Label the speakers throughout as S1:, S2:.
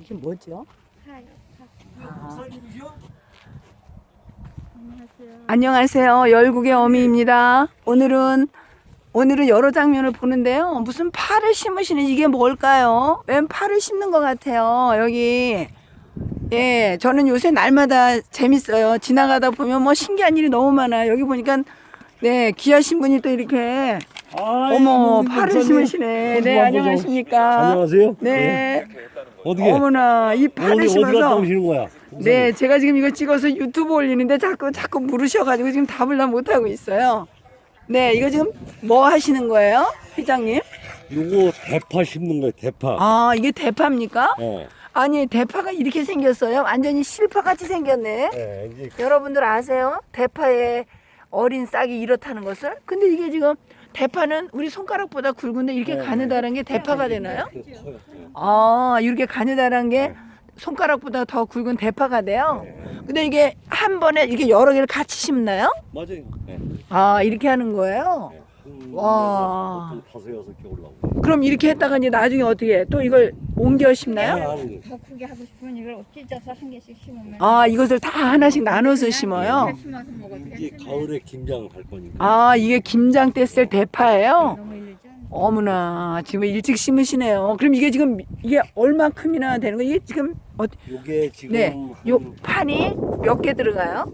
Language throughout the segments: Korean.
S1: 이게 뭐죠?
S2: 사요.
S1: 안녕하세요. 열국의 어미입니다. 오늘은 여러 장면을 보는데요. 무슨 파를 심으시는 이게 뭘까요? 웬 파를 심는 것 같아요. 여기. 예, 저는 요새 날마다 재밌어요. 지나가다 보면 뭐 신기한 일이 너무 많아요. 여기 보니까 네, 귀하신 분이 또 이렇게 어머 파를 심으시네. 네, 안녕하십니까?
S3: 안녕하세요.
S1: 네.
S3: 어떻게?
S1: 어머나 이 파를
S3: 어디 갔다
S1: 심어서
S3: 오시는 거야?
S1: 네, 제가 지금 이거 찍어서 유튜브 올리는데 자꾸 물으셔가지고 지금 답을 다 못하고 있어요. 네, 이거 지금 뭐 하시는 거예요, 회장님?
S3: 요거 대파 심는 거예요. 대파.
S1: 아, 이게 대파입니까?
S3: 어.
S1: 아니, 대파가 이렇게 생겼어요. 완전히 실파같이 생겼네.
S3: 네, 이제
S1: 여러분들 아세요? 대파의 어린 싹이 이렇다는 것을? 근데 이게 지금 대파는 우리 손가락보다 굵은데 이렇게 가느다란 게 대파가 되나요?
S3: 커요.
S1: 아, 이렇게 가느다란 게 손가락보다 더 굵은 대파가 돼요. 근데 이게 한 번에 이렇게 여러 개를 같이 심나요?
S3: 맞아요. 네.
S1: 아, 이렇게 하는 거예요?
S3: 한
S1: 와.
S3: 보통 5-6개 올라오고.
S1: 그럼 이렇게 했다가 이제 나중에 어떻게 해? 또 이걸 옮겨 심나요?
S3: 아니,
S2: 더 크게 하고 싶으면 이걸 찢어서 한 개씩 심으면.
S1: 아, 이것을 다 하나씩 나눠서 심어요?
S2: 잘 심어서 먹어도
S3: 이제
S2: 괜찮아요.
S3: 가을에 김장 할 거니까.
S1: 아, 이게 김장 때 쓸 대파예요?
S2: 너무 일르죠?
S1: 어머나, 지금 일찍 심으시네요. 그럼 이게 지금 이게 얼마큼이나 되는 거예요? 이게 지금
S3: 요게 지금
S1: 네, 요
S3: 한
S1: 판이 몇 개 들어가요?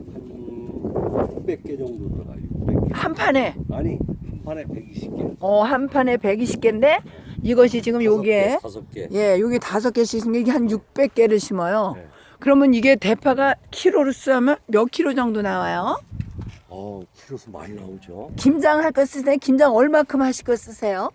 S3: 600개 정도 들어가요. 600개.
S1: 한 판에
S3: 아니, 한 판에 120개.
S1: 한 판에 120개인데 이것이 지금 요게
S3: 5개.
S1: 예, 여기 5개씩 있으면 이게 한 600개를 심어요.
S3: 네.
S1: 그러면 이게 대파가 키로로 쓰면 몇 키로 정도 나와요?
S3: 키로수 많이 나오죠.
S1: 김장 할 거 쓰세요? 김장 얼마큼 하실 거 쓰세요?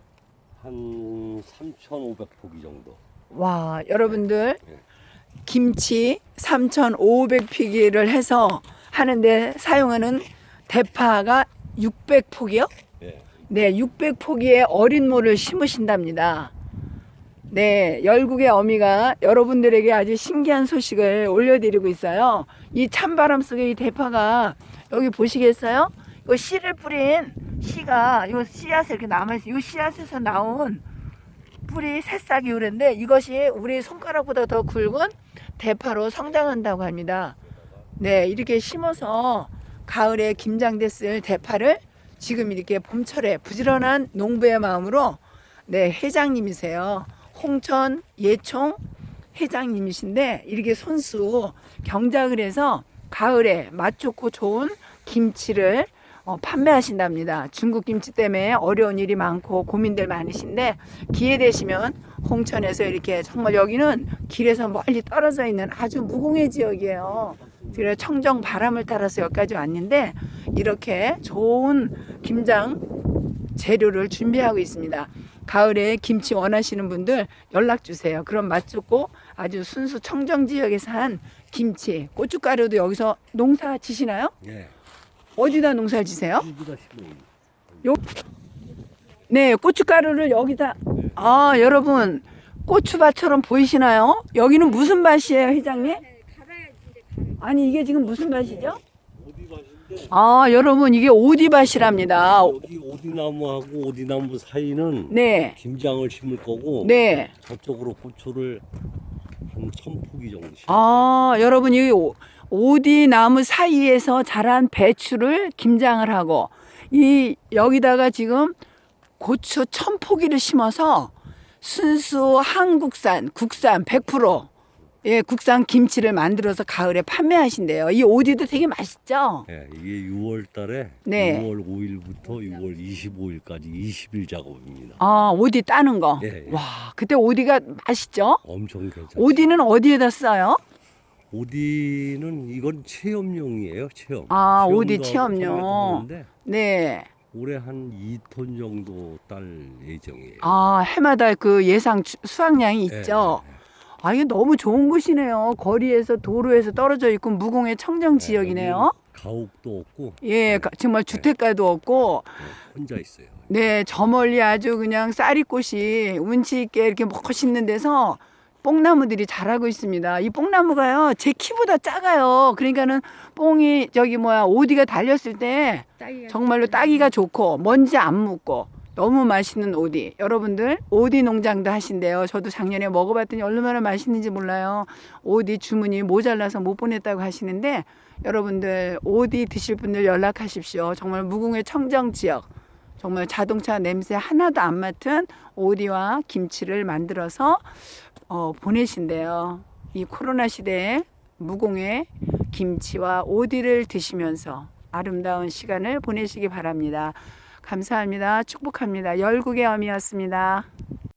S3: 한 3,500포기 정도.
S1: 와, 여러분들
S3: 네.
S1: 김치 3,500피기를 해서 하는데 사용하는 대파가 600포기요?
S3: 네.
S1: 네, 600포기의 어린 모를 심으신답니다. 네, 열국의 어미가 여러분들에게 아주 신기한 소식을 올려드리고 있어요. 이 찬바람 속에 이 대파가 여기 보시겠어요? 이거 씨를 뿌린 씨가 이 씨앗에 이렇게 남아있어요. 이 씨앗에서 나온 뿌리 새싹이 오는데 이것이 우리 손가락보다 더 굵은 대파로 성장한다고 합니다. 네, 이렇게 심어서 가을에 김장됐을 대파를 지금 이렇게 봄철에 부지런한 농부의 마음으로 네, 회장님이세요. 홍천 예총 회장님이신데 이렇게 손수 경작을 해서 가을에 맛 좋고 좋은 김치를 판매하신답니다. 중국 김치 때문에 어려운 일이 많고 고민들 많으신데 기회 되시면 홍천에서 이렇게 정말 여기는 길에서 멀리 떨어져 있는 아주 무공해 지역이에요. 그래서 청정 바람을 따라서 여기까지 왔는데 이렇게 좋은 김장 재료를 준비하고 있습니다. 가을에 김치 원하시는 분들 연락 주세요. 그럼 맛 좋고 아주 순수 청정 지역에서 한 김치, 고춧가루도 여기서 농사 지시나요?
S3: 예.
S1: 어디다 농사를 지세요?
S3: 여기다 심어요.
S1: 요 네, 고춧가루를 여기다. 아, 여러분 고추밭처럼 보이시나요? 여기는 무슨 밭이에요, 회장님? 아니, 이게 지금 무슨 밭이죠?
S3: 오디밭인데
S1: 아, 여러분 이게 오디밭이랍니다.
S3: 여기 오디나무하고 오디나무 사이는
S1: 네,
S3: 김장을 심을 거고
S1: 네.
S3: 저쪽으로 고추를 한 1,000포기 정도 심을
S1: 아, 여러분 이 오디 나무 사이에서 자란 배추를 김장을 하고 이 여기다가 지금 고추 1,000포기를 심어서 순수 한국산 국산 100% 예, 국산 김치를 만들어서 가을에 판매하신대요. 이 오디도 되게 맛있죠?
S3: 예, 이게 6월 달에
S1: 네.
S3: 6월 5일부터 6월 25일까지 20일 작업입니다.
S1: 아, 오디 따는 거.
S3: 예, 예.
S1: 와, 그때 오디가 맛있죠?
S3: 엄청 괜찮아요.
S1: 오디는 어디에다 써요?
S3: 오디는 이건 체험용이에요. 체험.
S1: 아,
S3: 체험도
S1: 오디
S3: 하고
S1: 체험용.
S3: 선물도 하는데
S1: 네.
S3: 올해 한 2톤 정도 딸 예정이에요.
S1: 아, 해마다 그 예상 수확량이
S3: 예,
S1: 있죠? 아, 이게 너무 좋은 곳이네요. 거리에서 도로에서 떨어져 있고 무공의 청정 지역이네요.
S3: 여기는 가옥도 없고
S1: 예, 정말 주택가도 없고
S3: 혼자 있어요.
S1: 네, 저 멀리 아주 그냥 쌀이꽃이 운치 있게 이렇게 멋있는 데서 뽕나무들이 자라고 있습니다. 이 뽕나무가요, 제 키보다 작아요. 그러니까는 뽕이 오디가 달렸을 때 정말로 따기가 좋고 먼지 안 묻고 너무 맛있는 오디. 여러분들 오디 농장도 하신대요. 저도 작년에 먹어봤더니 얼마나 맛있는지 몰라요. 오디 주문이 모자라서 못 보냈다고 하시는데 여러분들 오디 드실 분들 연락하십시오. 정말 무궁의 청정 지역, 정말 자동차 냄새 하나도 안 맡은 오디와 김치를 만들어서 보내신대요. 이 코로나 시대에 무공의 김치와 오디를 드시면서 아름다운 시간을 보내시기 바랍니다. 감사합니다. 축복합니다. 열국의 어미였습니다.